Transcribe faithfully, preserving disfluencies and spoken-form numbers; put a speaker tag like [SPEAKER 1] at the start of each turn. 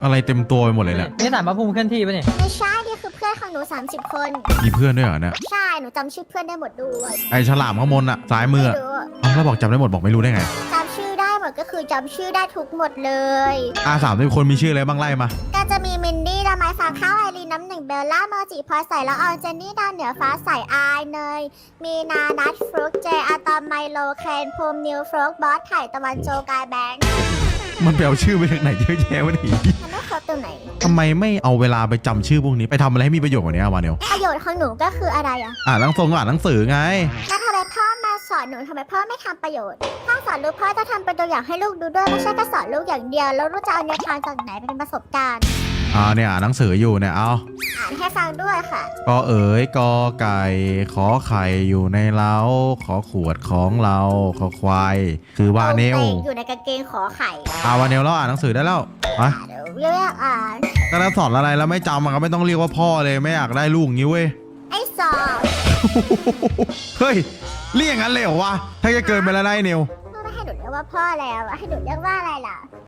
[SPEAKER 1] อะไรเต็มตัวไปหมดเลยเนี่ย
[SPEAKER 2] นี่สารพระภูมิเคลื่อนที่ปะเนี่ย
[SPEAKER 3] ไม่ใช่นี่คือเพื่อนของหนูสามสิบคน
[SPEAKER 1] มีเพื่อนด้วยเหรอเนี่ย
[SPEAKER 3] ใช่หนูจำชื่อเพื่อนได้หมดด้วย
[SPEAKER 1] ไอฉลามข้างบนอะซ้ายมือ
[SPEAKER 3] ไม่
[SPEAKER 1] อะ
[SPEAKER 3] รู้
[SPEAKER 1] เอ้าแล้วบอกจำได้หมดบอกไม่รู้ได้ไง
[SPEAKER 3] จำชื่อได้หมดก็คือจำชื่อได้ทุกหมดเลย
[SPEAKER 1] อาสามทุกคนมีชื่ออะไรบ้างไล่มา
[SPEAKER 3] ก็จะมีมินดี้ดาไม้ฟ้าข้าวไอรีนน้ำหนึ่งเบลล่าเมอร์จิพลอยใส่ละออนเจนนี่ดาวเหนือฟ้าใสอายเนยมีนานัทฟลุกเจอะตอมไมโลเคนภูมินิวฟลุกบอสไถ่ตะวันโจกายแบงค์
[SPEAKER 1] มันไปเอาชื่อไปจากไหนเยอะแยะวะนี่
[SPEAKER 3] มันไม่ครบตรงไหน
[SPEAKER 1] ทำไมไม่เอาเวลาไปจำชื่อพวกนี้ไปทำอะไรให้มีประโยชน์กว่านี้อะวาเนียว
[SPEAKER 3] ประโยชน์ของหนูก็คืออะไรอะ
[SPEAKER 1] อ่านหนังทรงอ่านหนังสือไง
[SPEAKER 3] แล้วทำไมพ่อมาสอนหนูทำไมพ่อไม่ทำประโยชน์ถ้าสอนลูกพ่อจะทำเป็นตัวอย่างให้ลูกดูด้วยไม่ใช่แค่สอนลูกอย่างเดียวแล้วลูกจะเอาแนวทางจากไหนเป็นประสบการณ์
[SPEAKER 1] อ่าเนี่ยอ่านหนังสืออยู่เนี่ยเอา
[SPEAKER 3] อ่านให้ฟังด้วยค่ะ
[SPEAKER 1] กอเอ๋ยกอไก่ขอไข่อยู่ในเล้าขอขวดของเราขอควายคือวาเนล
[SPEAKER 3] อยู่ในกางเกงขอไข่
[SPEAKER 1] อ่าวาเนลเราอ่านหนังสือได้แล้วไป
[SPEAKER 3] เดี๋ยวเรียกอ่าน
[SPEAKER 1] ก็ถ้าสอนอะไรแล้วไม่จำมันก็ไม่ต้องเรียกว่าพ่อเลยไม่อยากได้ลูกงี้เว้ย
[SPEAKER 3] ไอ้สอบ
[SPEAKER 1] เฮ้ยเรียกอย่างนั้นเลยเหรอวะถ้าจะเกินไปแล้วนะไอ้เนว
[SPEAKER 3] พ่อไม่ให้หนูเรียกว่าพ่อแล้วอะให้หนูเรียกว่าอะไรล่ะ